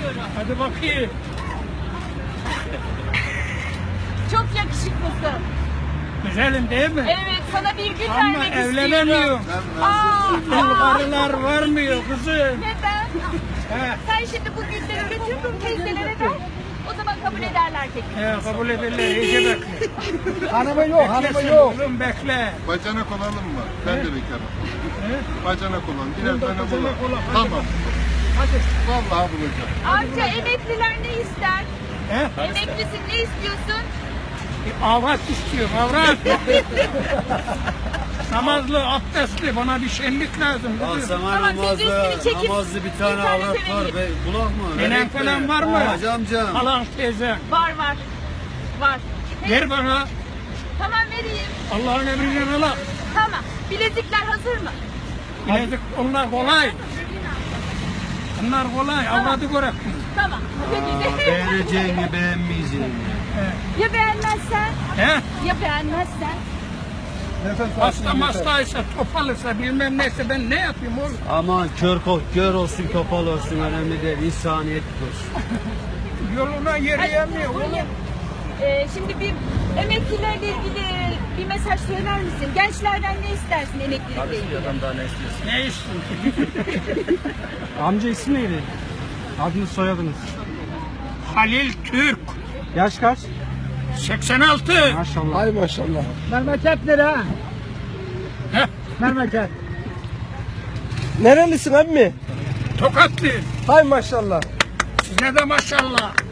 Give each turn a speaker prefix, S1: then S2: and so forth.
S1: istiyorum.
S2: Hadi bakayım.
S1: Çok yakışıklısın.
S2: Güzelim değil mi?
S1: Evet, sana bir gün
S2: Ama
S1: vermek istiyorum.
S2: evlenemiyorum. Karılar varmıyor kızım.
S1: Neden?
S2: He.
S1: Sen şimdi bu gülleri götür teyzelere ver. O zaman kabul ederler teklifi.
S2: Kabul ederler. İyice bekle.
S3: Hanımı yok, hanımı
S2: Beklesin
S3: yok.
S2: oğlum bekle.
S4: Bacanak olalım mı? Ben de bekarım.
S2: He?
S4: Bacanak olalım. Birer
S2: Bunda
S4: tane
S2: bacanak
S4: bulalım.
S2: olalım.
S4: Tamam.
S2: Hadi.
S4: Vallahi bulacağım.
S1: Amca emekliler ne ister?
S2: He?
S1: Emeklisin ne istiyorsun?
S2: Avrat istiyorum, avrat. Namazlı, abdestli, bana bir şenlik lazım.
S5: Ya
S2: kızım.
S5: sana
S1: Tamam, siz
S5: namazlı,
S1: üstünü çekip
S5: namazlı bir tane
S1: bir tane
S5: avrat var
S1: sevelim.
S5: be. Kulak mı?
S2: Nenen
S5: Verek
S2: falan
S5: mi?
S2: var mı?
S5: Hacı amcam.
S2: Halan teyze.
S1: Var var. Var.
S2: Ver bana.
S1: Tamam vereyim.
S2: Allah'ın emriyle ala.
S1: Tamam. Bilezikler hazır mı?
S2: Bilezik onlar kolay. Bunlar kolay, avradı görek.
S1: Tamam. Peki.
S5: Beğeneceğini beğenmeyeceğini.
S1: Ya beğenmezsen?
S2: He?
S1: Ya beğenmezsen?
S2: Hasta hastaysa, topalırsa, bilmem neyse ben ne yapayım oğlum?
S5: Aman kör olsun topal olsun önemli değil. İnsaniyet olsun.
S2: Yoluna yürüyemiyor oğlum.
S1: Şimdi bir emeklilerle ilgili bir mesaj söyler misin? Gençlerden ne istersin emeklilikle ilgili?
S2: Ne istiyorsun?
S3: Amca ismi neydi? Adınız soyadınız.
S2: Halil Türk,
S3: Yaş kaç?
S2: 86.
S3: Maşallah. Ay maşallah. Memleket nere?
S2: Heh,
S3: Memleket. Nerelisin emmi?
S2: Tokatlı.
S3: Hay maşallah.
S2: Size de maşallah.